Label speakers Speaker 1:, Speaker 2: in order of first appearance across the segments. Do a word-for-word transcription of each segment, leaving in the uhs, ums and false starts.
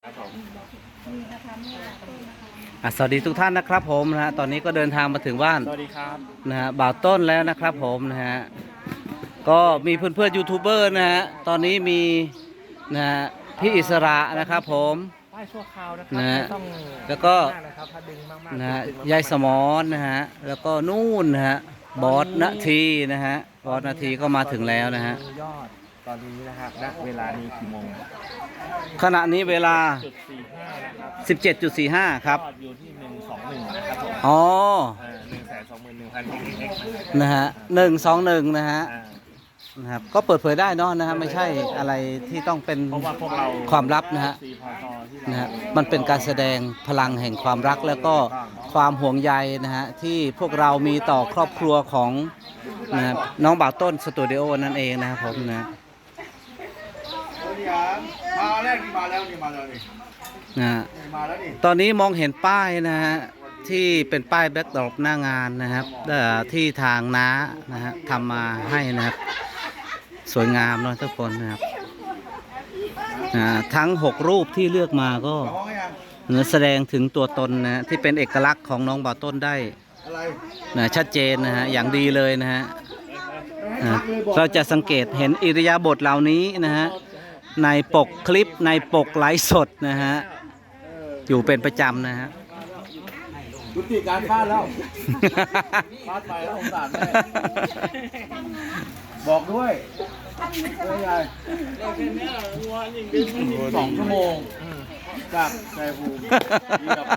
Speaker 1: สวัสดีทุกท่านนะครับผมนะฮะตอนนี้ก็เดินทางมาถึงบ้าน
Speaker 2: สวัสดีครับ
Speaker 1: นะฮะบ่าวต้นแล้วนะครับผมนะฮะก็มีเพื่อนเพื่อนยูทูบเบอร์นะฮะตอนนี้มีนะฮะพี่อิสระนะครับผม
Speaker 2: ป้ายชั่วคราวนะครั
Speaker 1: นะฮะ
Speaker 2: ต้อง
Speaker 1: แล้วก็
Speaker 2: นะครับถ้าดึงมากๆ
Speaker 1: นะฮะ
Speaker 2: ดึงมกๆ
Speaker 1: ยายสมอนนะฮะแล้วก็นู่นนะฮะบอสนาทีนะฮะบอสนาทีก็มาถึงแล้วนะฮะ
Speaker 2: ยอดตอนนี้นะครับณเวลานี้กี่โมง
Speaker 1: ขณะนี้เวลา
Speaker 2: จุดสี่ห้านะครับ
Speaker 1: สิบเจ็ดจุดสี่ห้า ครับ
Speaker 2: ยอดอยู่ที่หนึ่งสองหนึ่งนะครับผม
Speaker 1: อ๋อ
Speaker 2: หนึ่งแสนสองหมื่นหนึ่งพันเอ็กซ์
Speaker 1: นะฮะหนึ่งสองหนึ่งนะฮะ
Speaker 2: อ่า
Speaker 1: นะครับก็เปิดเผยได้เนอะนะฮะไม่ใช่อะไรที่ต้องเป็น
Speaker 2: เพราะว่าพวกเรา
Speaker 1: ความลับนะฮะ
Speaker 2: สี่พอตที่เรา
Speaker 1: นะฮะมันเป็นการแสดงพลังแห่งความรักแล้วก็ความห่วงใยนะฮะที่พวกเรามีต่อครอบครัวของนะฮะน้องบ่าวต้นสตูดิโอนั่นเองนะครับผมนะ
Speaker 3: มาแรกนี่มาแล้วนี่มาแล้วนี่
Speaker 1: นะฮะ
Speaker 3: มาแล้วนี่
Speaker 1: ตอนนี้มองเห็นป้ายนะฮะที่เป็นป้ายแบ็กดรอปหน้างานนะครับเอ่อที่ทางน้านะฮะทำมาให้นะครับสวยงามเนาะทุกคนนะครับอ่าทั้งหกรูปที่เลือกมาก็
Speaker 3: ห้องยัง
Speaker 1: เนื้อแสดงถึงตัวตนนะฮะที่เป็นเอกลักษณ์ของน้องบ่าวต้นได้
Speaker 3: อะไร
Speaker 1: นะชัดเจนนะฮะอย่างดีเลยนะฮะอ่าเราจะสังเกตเห็นอิริยาบถเหล่านี้นะฮะในปกคลิปในปกไลฟ์สดนะฮะอยู่เป็นประจำนะฮะ
Speaker 3: ยุติการฟาดแล้วฟาดไปแล้วสงสารแม่บอกด้วยเฮ้ยยายสองชั่วโมงจากชัยภูมินี่แบบ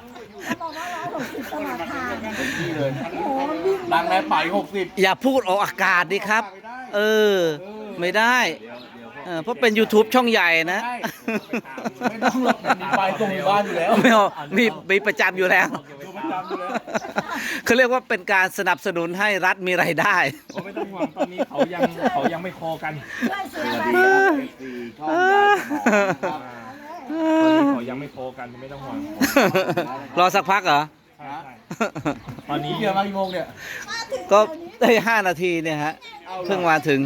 Speaker 3: เป็นที่เลยดังแล้วไปหกสิบ
Speaker 1: อย่าพูดออกอากาศดิครับ เออ ไม่ได้เออเพราะเป็น YouTube ช่องใหญ่นะ
Speaker 3: ไม่ต้องหรอกมีไปตรงบ้านอยู่แล้ว
Speaker 1: ไม่เอามีมีประจำอยู่แล้ว
Speaker 3: อยู่ประจำอยู่แล้ว
Speaker 1: เขาเรียกว่าเป็นการสนับสนุนให้รัฐมีรายได้
Speaker 2: โอ้ไม่ต้องห่วงตอนนี้เขายังเขายังไม่โคกัน
Speaker 3: สวัสดีครับสี่ช่องยายสมองครับ
Speaker 2: ตอนนี้เขายังไม่โคกันไม่ต้องห่วง
Speaker 1: รอสักพักเหรอ
Speaker 2: ใช่ๆตอนนี้
Speaker 3: นี่เกี่ยวมากี่โมงเนี่ย
Speaker 1: ก็ได้ห้านาทีเนี่ยฮะเพิ่งมาถึง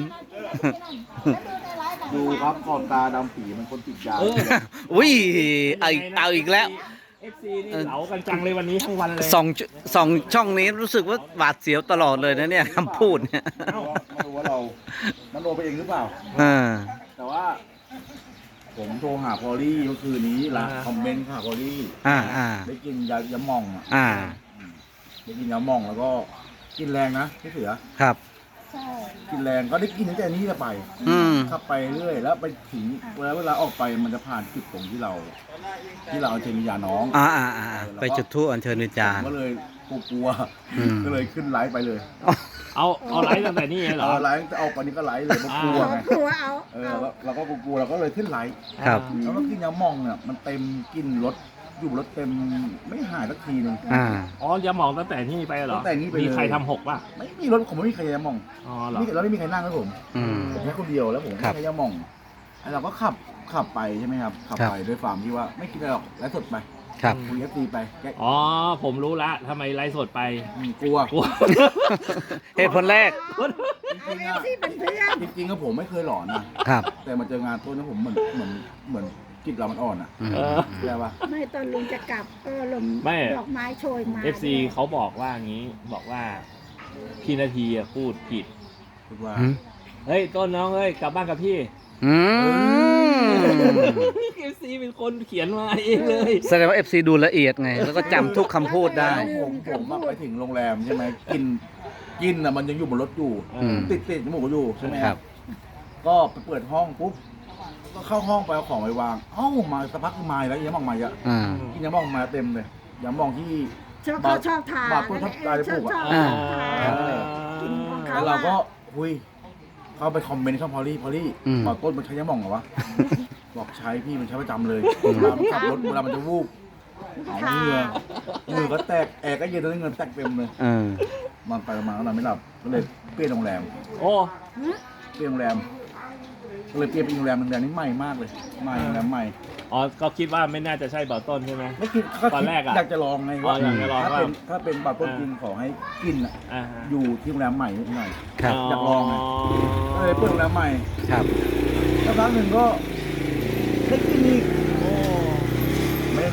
Speaker 3: ดูครับขอบตาดำปีมันคนติดยา
Speaker 2: เออ
Speaker 1: อุ้ยเอาอีกเอาอีกแล้ว
Speaker 2: เอฟซีนี่เหลากันจังเลยวันนี้ทั้งวันเลย
Speaker 1: สองสองช่องนี้รู้สึกว่าหวาดเสียวตลอดเลยนะเนี่ยคำพูดเนี่ย
Speaker 3: ไม่รู้ว่าเรามันโดนไปเองหรือเปล่า
Speaker 1: อ่า
Speaker 3: แต่ว่า ผมโทรหาพอลลี่เมื่อคืนนี้ละคอมเมนต์ค่ะพอลลี่
Speaker 1: อ่าอ่า
Speaker 3: ได้กินยายาหม่องอ่ะ
Speaker 1: อ่า
Speaker 3: ได้กินยาหม่องแล้วก็กินแรงนะพี่เสือ
Speaker 1: ครับ
Speaker 3: กินแรงก็ได้กินตั้งแต่นี้จะไป
Speaker 1: อืม
Speaker 3: ขับไปเรื่อยแล้วไปถึงเวลาเวลาออกไปมันจะผ่านจุดตรงที่เรา ที่เราเอาเจมิยาน้อง
Speaker 1: อ่าอ่าอ่าไปจุดธูปอัญเชิญวิญญาณ
Speaker 3: ก็เลยกลัว
Speaker 1: อืม
Speaker 3: ก็เลยขึ้นไลฟ์ไปเลย
Speaker 2: เอาเอาไลฟ์ตั้งแต่นี่เหรอ
Speaker 3: เอาไลฟ์จะเอาไปนี้ก็ไลฟ์เลยเพราะกลัวไง
Speaker 4: กลัวเอา
Speaker 3: เออแล้วเราก็กลัวเราก็เลยขึ้นไลฟ์
Speaker 1: ครับ
Speaker 3: แล้วก็กินยาหม่องเนี่ยมันเต็มกินรถอยู่รถเต็มไม่หายสักทีหนึง
Speaker 1: อ่า
Speaker 2: อ๋ออย่ามองตั้งแต่นี่ไปเหรอ
Speaker 3: ตั้งแต่นี่ไปเลย
Speaker 2: มีใครทำหกป่ะ
Speaker 3: ไม่มีรถผมไม่มีใครยาหม่อง
Speaker 2: อ๋อเหรอ
Speaker 3: นี่เราไม่มีใครนั่งครับผม
Speaker 1: อืม
Speaker 3: ผมแค่คนเดียวแล้วผม
Speaker 1: ครับ
Speaker 3: ไม่ใช่ยาหม่องแล้วเราก็ขับขับไปใช่ไหมครับขับ
Speaker 1: ครับ
Speaker 3: ไปด้วยความที่ว่าไม่คิดอะไรหรอกไลฟ์สดไป
Speaker 1: ครับ
Speaker 3: คุยเอฟซีไปแก
Speaker 2: อ๋อผมรู้ละทำไมไลฟ์สดไป
Speaker 3: อืมกลัว
Speaker 2: กลัว
Speaker 1: เหตุผลแรก
Speaker 3: จริงๆอะ
Speaker 4: ที่เป็นเพื่อน
Speaker 3: จริงๆก็ผมไม่เคยหลอนนะครับ แต่มาเจองานต้นนะผมเหมือนเหมือนเหมือนจิตเรามันอ่อนอ่ะ
Speaker 1: อืม
Speaker 2: เออ
Speaker 3: ใช่ปะ
Speaker 4: ไม่ตอนลุงจะกลับก็ลม
Speaker 2: ไม่
Speaker 4: ดอกไม้โชยมา
Speaker 2: เอฟซีเขาบอกว่างี้บอกว่าพี่นาทีอะพูดผิด
Speaker 3: คือว่า
Speaker 1: อืม
Speaker 2: เฮ้ยต้นน้องเอ้ยกลับบ้านกับพี่
Speaker 1: อืม
Speaker 2: เอฟซีเป็นคนเขียนมาเองเลย
Speaker 1: แสดงว่า เอฟ ซี ดูละเอียดไง แล้วก็จำทุกคำพูดได้
Speaker 3: ผมผมอะไปถึงโรงแรมใช่ไหมกินกินอ่ะมันยังอยู่บนรถอยู่
Speaker 1: อืม
Speaker 3: ติดติดจมูกอยู่ใช่ไหม
Speaker 1: ครับ
Speaker 3: ก็ไปเปิดห้องปุ๊บก็เข้าห้องไปเอาของไปวางเอ้ามาสักพักคือมาแล้วยาหม่องมาอ่ะ
Speaker 1: อ่า
Speaker 3: กินยาหม่องมาเต็มเลยยาหม่องที่
Speaker 4: ชอบเขาชอบทาน
Speaker 3: บาปคนชอบทานจะปลูกอะ
Speaker 4: ชอบ
Speaker 1: อ่า
Speaker 4: ทานกินของเขา
Speaker 3: แล้วเราก็
Speaker 4: อะ
Speaker 3: คุยเข้าไปคอมเมนต์ช่องพอลลี่พอลลี่
Speaker 1: อืม
Speaker 3: บอกต้นมันใช้ยาหม่องเหรอวะ บอกใช้พี่มันใช้ประจำเลย
Speaker 1: อืม
Speaker 3: เวลามันขับรถเวลามันจะวูบเอาเหงื่อเหงื่อก็แตกแอร์ก็เย็นตอนนี้เงินแตกเต็มเลย
Speaker 1: เออ
Speaker 3: มันไปมาก็นอนไม่หลับก็เลยเปลี่ยนโรงแรม
Speaker 2: โอ้
Speaker 3: เปลี่ยนโรงแรมก็เลยเปลี่ยนเป็นโรงแรมโรงแรมนี้ใหม่มากเลยใหม่โรงแรมใหม่
Speaker 2: อ๋อก็คิดว่าไม่น่าจะใช่เบาต้นใช่ไหม
Speaker 3: ไม่คิดก็
Speaker 2: ตอนแรกอะ
Speaker 3: อยากจะลองไง
Speaker 2: อ๋ออยากจะลอง
Speaker 3: ถ้า
Speaker 2: ว่า
Speaker 3: เป็นถ้าเป็นบาร์ต้นจริงขอให้กินอะ
Speaker 2: อ่าฮะ
Speaker 3: อยู่ที่โรงแรมใหม่นิดหน่อย
Speaker 1: ครับ
Speaker 3: อยากลองไง ก็เลยเปิดโรงแรมใหม่
Speaker 1: ครับ
Speaker 3: แล้วครั้งหนึ่งก็ได้กินอีก
Speaker 2: โอ้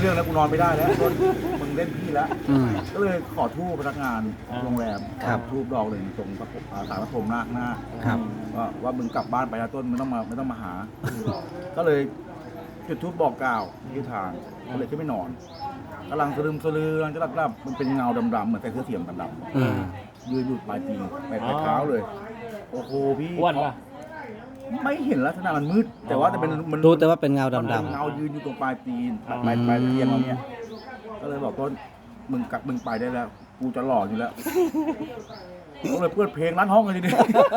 Speaker 3: เรื่องแล้วกูนอนไม่ได้แล้วต้นมึงเล่นพี่แล้ว
Speaker 1: อืม
Speaker 3: ก็เลยขอทูบพนักงานโรงแรม
Speaker 1: ครับ
Speaker 3: ทูบดอกหนึ่งตรงพระอ่าสารพระพรหมนาคหน้า
Speaker 1: ครับ
Speaker 3: ว่าว่ามึงกลับบ้านไปนะต้นไม่ต้องมาไม่ต้องมาหา ก็เลยจุดทูบบอกกล่าวที่ทางก็เลยขึ้นไม่นอนกำลังสลืมสลือกำลังจะหลับๆมันเป็นเงาดำๆเหมือนใส่เสื้อเสียงดำ
Speaker 1: อืม
Speaker 3: ๆยืนอยู่ปลายตีนไปปลายเท้าเลย โอ้โหพี่
Speaker 2: อ้วนปะ
Speaker 3: ไม่เห็นลักษณะมันมืด แต่ว่าแต่เป็นมัน
Speaker 1: รู้แต่ว่าเป็นเงา
Speaker 3: มัน
Speaker 1: ดำ
Speaker 3: เงายืนอยู่ตรงปลายตีน
Speaker 2: อ๋อ
Speaker 3: ปลายปลายเตียงเราเนี่ยก็เลยบอกต้นมึงกลับมึงไปได้แล้ว กูจะหล่ออยู่แล้วก็เลยเปิดเพลงร้านห้องเลยทีเดียว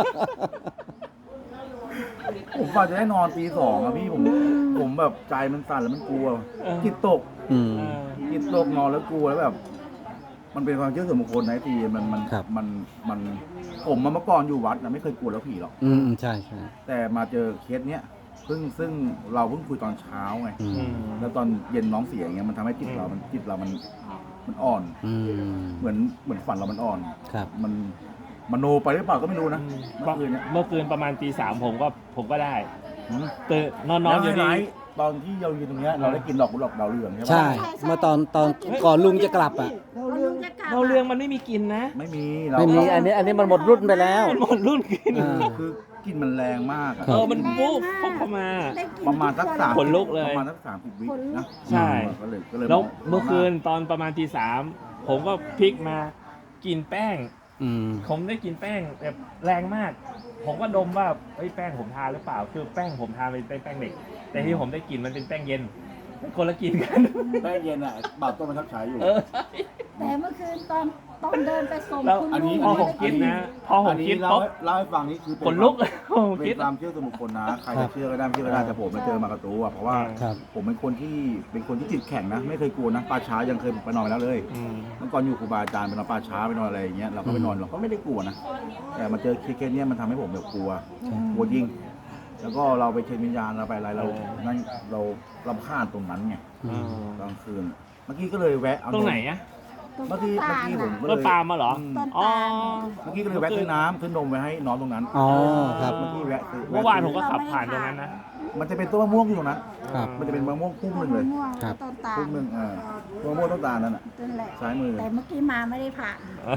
Speaker 3: ผมกว่าจะได้นอนตีสองอะพี่ผมผมแบบใจมันสั่นแล้วมันกลัวจิตตก
Speaker 1: ๆอืม
Speaker 2: เออ
Speaker 3: จิตตกนอนแล้วกลัวแล้วแบบ มันเป็นความเชื่อส่วนบุคคลนะทีมันมัน
Speaker 1: ครับ
Speaker 3: มันมันผมมาเมื่อก่อนอยู่วัดนะไม่เคยกลัวแล้วผีหรอก
Speaker 1: อืมอืมใช่ใช่
Speaker 3: แต่มาเจอเคสเนี้ยซึ่งซึ่งเราเพิ่งคุยตอนเช้าไง
Speaker 1: อื
Speaker 2: อื
Speaker 1: ม
Speaker 2: ม
Speaker 3: แล้วตอนเย็นน้องเสียอย่างเงี้ยมันทำให้จิตเรามันจิตเรามันมันอ่อน
Speaker 1: อืม
Speaker 3: เหมือนเหมือนฝันเรามันอ่อน
Speaker 1: ครับ
Speaker 3: มันมโนไปหรือเปล่าก็ไม่รู้นะเมื่อคืนเนี้ย
Speaker 2: เมื่อคืนประมาณตีสามผมก็ผมก็ได้
Speaker 3: อืม
Speaker 2: ตื่นนอนนอ
Speaker 3: แล้
Speaker 2: น
Speaker 3: ว
Speaker 2: อยู่
Speaker 3: ไฮไล
Speaker 2: ดี
Speaker 3: ท์ตอนที่เราอยู่ตรงเนี้ยเราได้กินดอกกุหลาบดาวเรืองใช่ไหม
Speaker 1: ใช่ เมื่อตอนตอนก่อนลุงจะกลับอ่ะ
Speaker 4: เราเรื่องจะกลับ
Speaker 2: เราเรื่องมันไม่มีกลินนะ
Speaker 3: ไม่มีเรา
Speaker 1: ไม่มี อันนี้ อันนี้มันหมดรุ่นไปแล้ว
Speaker 2: มันหมดรุ่นกลิน
Speaker 1: อ่า
Speaker 3: คือกลิ่นมันแรงมากอะ
Speaker 1: ครั
Speaker 2: เอบ อมันปุ๊บปุ๊บเข้ามา
Speaker 4: ได้กิน
Speaker 3: ประมาณสักสาม
Speaker 2: ขนลุกเลย
Speaker 3: ประมาณสักสามสิบวินะ
Speaker 2: ใช่
Speaker 3: ก็เลยก็เลย
Speaker 2: แล้ว
Speaker 3: มง
Speaker 2: เมื่อคืนตอนประมาณตีสามผมก็พลิกมากินแป้ง
Speaker 1: อืม
Speaker 2: ผมได้กินแป้งแบบแรงมาก ผมก็ดมว่าเฮ้ยแป้งผมทานหรือเปล่า คือแป้งผมทานเป็นแป้งเด็ก แต่ที่ผมได้กลินมันเป็นแป้งเย็นคนละกินกัน
Speaker 3: แป้งเย็นอ่ะบาดต้นมันทับฉายอยู่
Speaker 2: เออ
Speaker 4: แต่เมื่อคืนตอนตอนเดินไปส่ง
Speaker 2: แล้ว
Speaker 4: คุณ
Speaker 3: อันนี้
Speaker 2: พอ
Speaker 4: ลุง
Speaker 2: ผมกินนะ พอผ
Speaker 3: อั
Speaker 2: ม
Speaker 3: นนี้
Speaker 2: กิน
Speaker 3: เล่า
Speaker 2: ปุ๊บ
Speaker 3: ให้เล่าให้ฟังนี่คือเป็
Speaker 2: ขนลุกผม
Speaker 3: เป็
Speaker 2: คิด
Speaker 3: นความเชื่อส่วนบุคคลนะ ใครจะเชื่อก็ได้ไม่เชื่อก็ได้แต่ผมมาเจอมากระตูอ่ะเพราะว่า
Speaker 1: ครับ
Speaker 3: ผมเป็นคนที่เป็นคนที่จิตแข็งนะ ไม่เคยกลัวนะป่าช้ายังเคยไปนอนมาแล้วเลย
Speaker 2: อืม
Speaker 3: เมื่อก่อนอยู่ครูบาอาจารย์ไปนอนป่าช้าไปนอนอะไรอย่างเงี้ยเราก็ไปนอนเราก็ไม่ได้กลัวนะแต่มาเจอเคสเนี้ยมันทำให้ผมแบบกลัวกลัวจริง แล้วก็เราไปเชิญวิญญาณเราไปอะไรเรานั่นเรารำคาญตรงนั้นไง
Speaker 1: อืม
Speaker 3: กลางคืน เมื่อกี้ก็เลยแวะเอา
Speaker 2: ตรงไหนอะ
Speaker 3: เมื่อกี้เมื่อกี้ผมก็เล
Speaker 2: ต้น
Speaker 3: ย
Speaker 2: ปาล์มมาเหรอ
Speaker 3: อืม
Speaker 2: อ๋อ
Speaker 3: เมื่อกี้ก็เลยแวะซื้อน้ำซื้อนมไปให้น้องตรงนั้น
Speaker 1: อ๋อ ครับ
Speaker 3: เมื่อกี้แวะซื้อ
Speaker 2: เมื่อวานผมก็ขับผ่านตรงนั้นนะ
Speaker 3: มันจะเป็นต้นมะม่วงอยู่ตรงนั้น
Speaker 1: ครับ
Speaker 3: มันจะเป็นมะม่วงพุ่มหนึ่งเลย
Speaker 4: ม่วง
Speaker 1: ครับ
Speaker 4: ต้นตาล
Speaker 3: พุ่มหนึ่งเออต้นมะม่วงต้นตาลนั่นน่ะ
Speaker 4: นั่นแหละ
Speaker 3: ซ้ายมือ
Speaker 4: แต่เมื่อกี้มาไม่ได้ผ่าน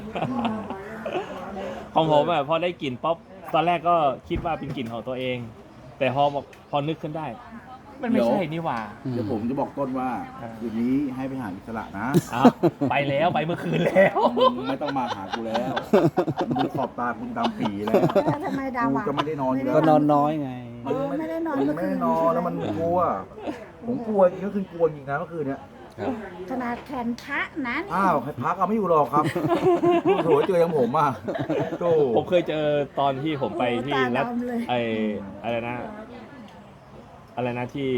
Speaker 2: ของผมอะพอได้กลิ่นป๊อปตอนแรกก็คิดว่าเป็นกลิ่นของตัวเอง แต่พอบอกพอนึกขึ้นได้ มันไม่ใช่นี่หว่า
Speaker 1: อืม
Speaker 3: เดี๋ยวผมจะบอกต้นว่า
Speaker 2: อ่า
Speaker 3: คืนนี้ให้ไปหาอิสระนะ
Speaker 2: อ้าวไปแล้วไปเมื่อคืนแล้ว
Speaker 3: มึงไม่ต้องมาหากูแล้วมึงขอบตาคุณดำปีแล้ว
Speaker 4: แล้วทำไมดาว
Speaker 3: กู
Speaker 4: อะ
Speaker 3: ก็ไม่ได้นอนอยู่แล้ว
Speaker 1: ก็นอนน้อยไง
Speaker 4: เออไม่ได้นอน
Speaker 3: มัน
Speaker 4: เมื่อ
Speaker 3: ไม่
Speaker 4: คื
Speaker 3: ได้
Speaker 4: น
Speaker 3: นอนแล้วมันกลัว ผมกลัวจริงก็คือกลัวจริงนะเมื่อคืนเนี้ย
Speaker 1: ครับ
Speaker 4: ขนาดแขนพระนั้น
Speaker 3: อ้าวใครพักเอาไม่อยู่หรอกครับโถเจออย่างผมอ่ะโถ
Speaker 2: ผมเคยเจอตอนที่ผมไปที่
Speaker 4: โอ้ตา
Speaker 2: รัฐ
Speaker 4: ดำเลย
Speaker 2: ไออะไรนะ อะไรนะที่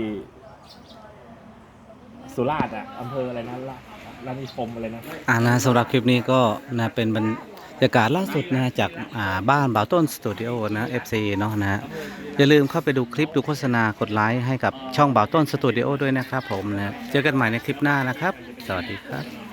Speaker 2: สุราษฎร์อะอำเภออะไรนะรารานิคมอะไรนะ
Speaker 1: อ่านะสำหรับคลิปนี้ก็นะเป็นบรรยากาศล่าสุดนะจากอ่าบ้านบ่าวต้นสตูดิโอนะ เอฟ ซี เนาะนะฮะอย่าลืมเข้าไปดูคลิปดูโฆษณากดไลค์ให้กับช่องบ่าวต้นสตูดิโอด้วยนะครับผมนะเจอกันใหม่ในคลิปหน้านะครับ สวัสดีครับ